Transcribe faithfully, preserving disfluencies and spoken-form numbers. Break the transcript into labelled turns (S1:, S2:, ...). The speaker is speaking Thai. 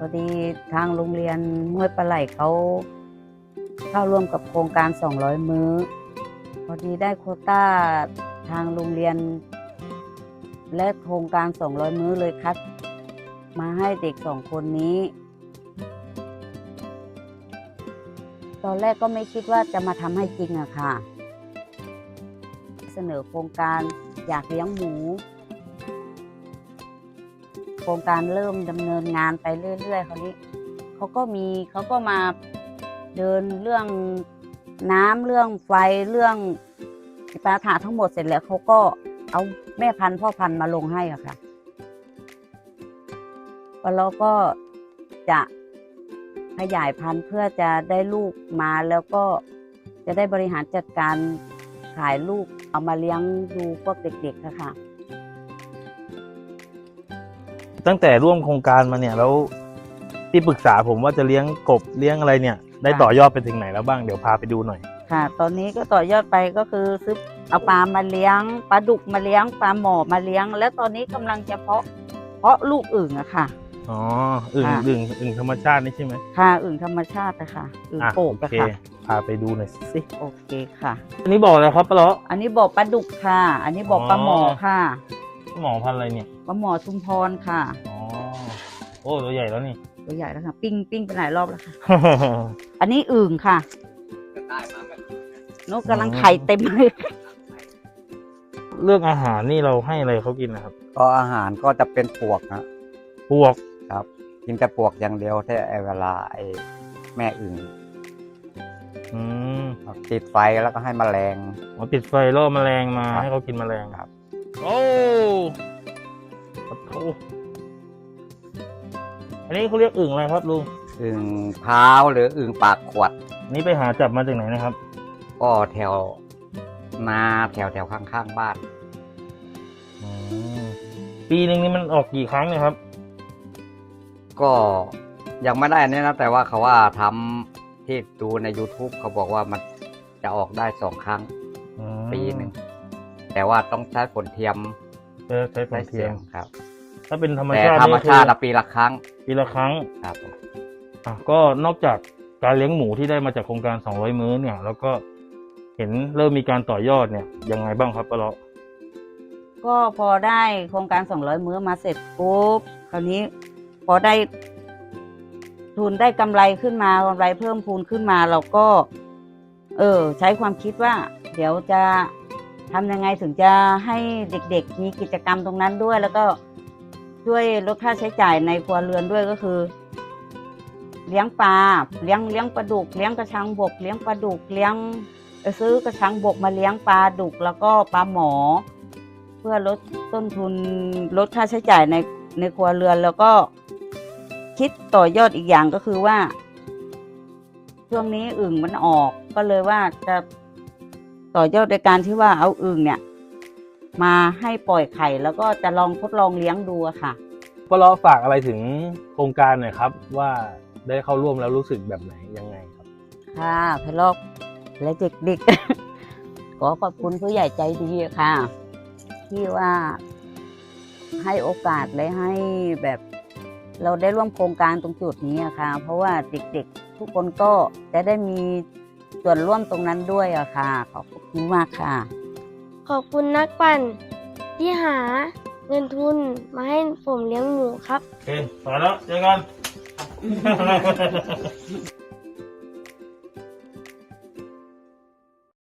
S1: อดีทางโรงเรียนห้วยปลาไหลเขาเข้าร่วมกับโครงการสองร้อยมื้อพอดีได้โควต้าทางโรงเรียนและโครงการสองร้อยมื้อเลยคัดมาให้เด็กสองคนนี้ตอนแรกก็ไม่คิดว่าจะมาทำให้จริงอะค่ะเสนอโครงการอยากเลี้ยงหมูโครงการเริ่มดำเนินงานไปเรื่อยๆคราวนี้เขาก็มีเขาก็มาเดินเรื่องน้ำเรื่องไฟเรื่องปัญหาทั้งหมดเสร็จแล้วเขาก็เอาแม่พันธุ์พ่อพันธุ์มาลงให้อะค่ะแล้วก็จะขยายพันธุ์เพื่อจะได้ลูกมาแล้วก็จะได้บริหารจัดการขายลูกเอามาเลี้ยงดูพวกเด็กๆค่ะ
S2: ตั้งแต่ร่วมโครงการมาเนี่ยแล้วที่ปรึกษาผมว่าจะเลี้ยงกบเลี้ยงอะไรเนี่ยได้ต่อยอดไปถึงไหนแล้วบ้างเดี๋ยวพาไปดูหน่อย
S1: ค่ะตอนนี้ก็ต่อยอดไปก็คือซื้อเอาปลามาเลี้ยงปลาดุกมาเลี้ยงปลาหมอมาเลี้ยงแล้วตอนนี้กำลังจะเพาะเพาะลูกอึ่งอะค่ะ
S2: อ๋ออึ่งอึ่งอึ่งธรรมชาตินี่ใช่ไหม
S1: ค่ะอึ่งธรรมชาตินะคะอึ่งโป่งอะค่ะ
S2: พาไปดูหน่อยสิ
S1: โอเคค่ะ
S2: อันนี้บอกอะไรครับปลาเลาะ
S1: อันนี้บอกปลาดุกค่ะอันนี้บอกปลาหมอค่ะ
S2: หมอพันอะไรเนี่ย
S1: ปลาหมอชุมพรค่ะ
S2: อ๋อโอ้ตัวใหญ่แล้วนี่
S1: ตัวใหญ่แล้วค่ะปิ้งปิ้งไปหลายรอบแล้วค่ะ อันนี้อึ่งค่ะนกกำลังไข่เต็มเลย
S2: เรื่องอาหารนี่เราให้อะไรเขากินนะครับ
S3: ก็อาหารก็จะเป็นปวกนะ
S2: ปวก
S3: ครับกินแต่ปวกอย่างเดียวแต่เวลาไอ้แม่อึ่งติดไฟแล้วก็ให้แมลง
S2: อ๋อติดไฟล่อแมลงมาให้เขากินแมลง
S3: ครับ
S2: โอ้โหอันนี้เขาเรียกอึ่งอะไรครับลุง
S3: อึ่งพร้าวหรืออึ่งปากขวด
S2: นี่ไปหาจับมาจากไหนนะครับ
S3: ก็แถวนาแถวแถวข้างๆบ้าน
S2: ปีหนึ่งนี่มันออกกี่ครั้งเนี่ยครับ
S3: ก็ยังไม่ได้อันนี้นะแต่ว่าเขาว่าทำที่ดูใน YouTube เขาบอกว่ามันจะออกได้สองครั้งปีหนึ่งแต่ว่าต้องใช้ผลเทียม
S2: ใช้ผลเทียม
S3: ครับ
S2: ถ้าเป็นธรรมชาติ
S3: ธรรมชาติปีละครั้ง
S2: ปีละครั้ง
S3: ครับ
S2: อ่ะก็นอกจากการเลี้ยงหมูที่ได้มาจากโครงการสองร้อยมื้อเนี่ยแล้วก็เห็นเริ่มมีการต่อยอดเนี่ยยังไงบ้างครับปะเลาะ
S1: ก็พอได้โครงการสองร้อยมื้อมาเสร็จปุ๊บคราวนี้พอได้ทุนได้กำไรขึ้นมากำไรเพิ่มพูนขึ้นมาเราก็เออใช้ความคิดว่าเดี๋ยวจะทำยังไงถึงจะให้เด็กๆมีกิจกรรมตรงนั้นด้วยแล้วก็ช่วยลดค่าใช้จ่ายในครัวเรือนด้วยก็คือเลี้ยงปลาเลี้ยงเลี้ยงปลาดุกเลี้ยงกระชังบกเลี้ยงปลาดุกเลี้ยงซื้อกระชังบกมาเลี้ยงปลาดุกแล้วก็ปลาหมอเพื่อลดต้นทุนลดค่าใช้จ่ายในในครัวเรือนแล้วก็คิดต่อยอดอีกอย่างก็คือว่าช่วงนี้อึ่งมันออกก็เลยว่าจะต่อยอดในการที่ว่าเอาอึ่งเนี่ยมาให้ปล่อยไข่แล้วก็จะลองทดลองเลี้ยงดูอะค่ะ
S2: ปะเลาะฝากอะไรถึงโครงการหน่อยครับว่าได้เข้าร่วมแล้วรู้สึกแบบไหนยังไงครับ
S1: ค่ะพะเลาะและเด็กๆ ขอขอบคุณผู้ใหญ่ใจดีค่ะที่ว่าให้โอกาสและให้แบบเราได้ร่วมโครงการตรงจุดนี้อะค่ะเพราะว่าเด็กๆทุกคนก็จะได้มีส่วนร่วมตรงนั้นด้วยอะค่ะขอบคุณมากค่ะ
S4: ขอบคุณนักปั่นที่หาเงินทุนมาให้ผมเลี้ยงหมูครับ
S2: โอเคพอแล้วเจอกัน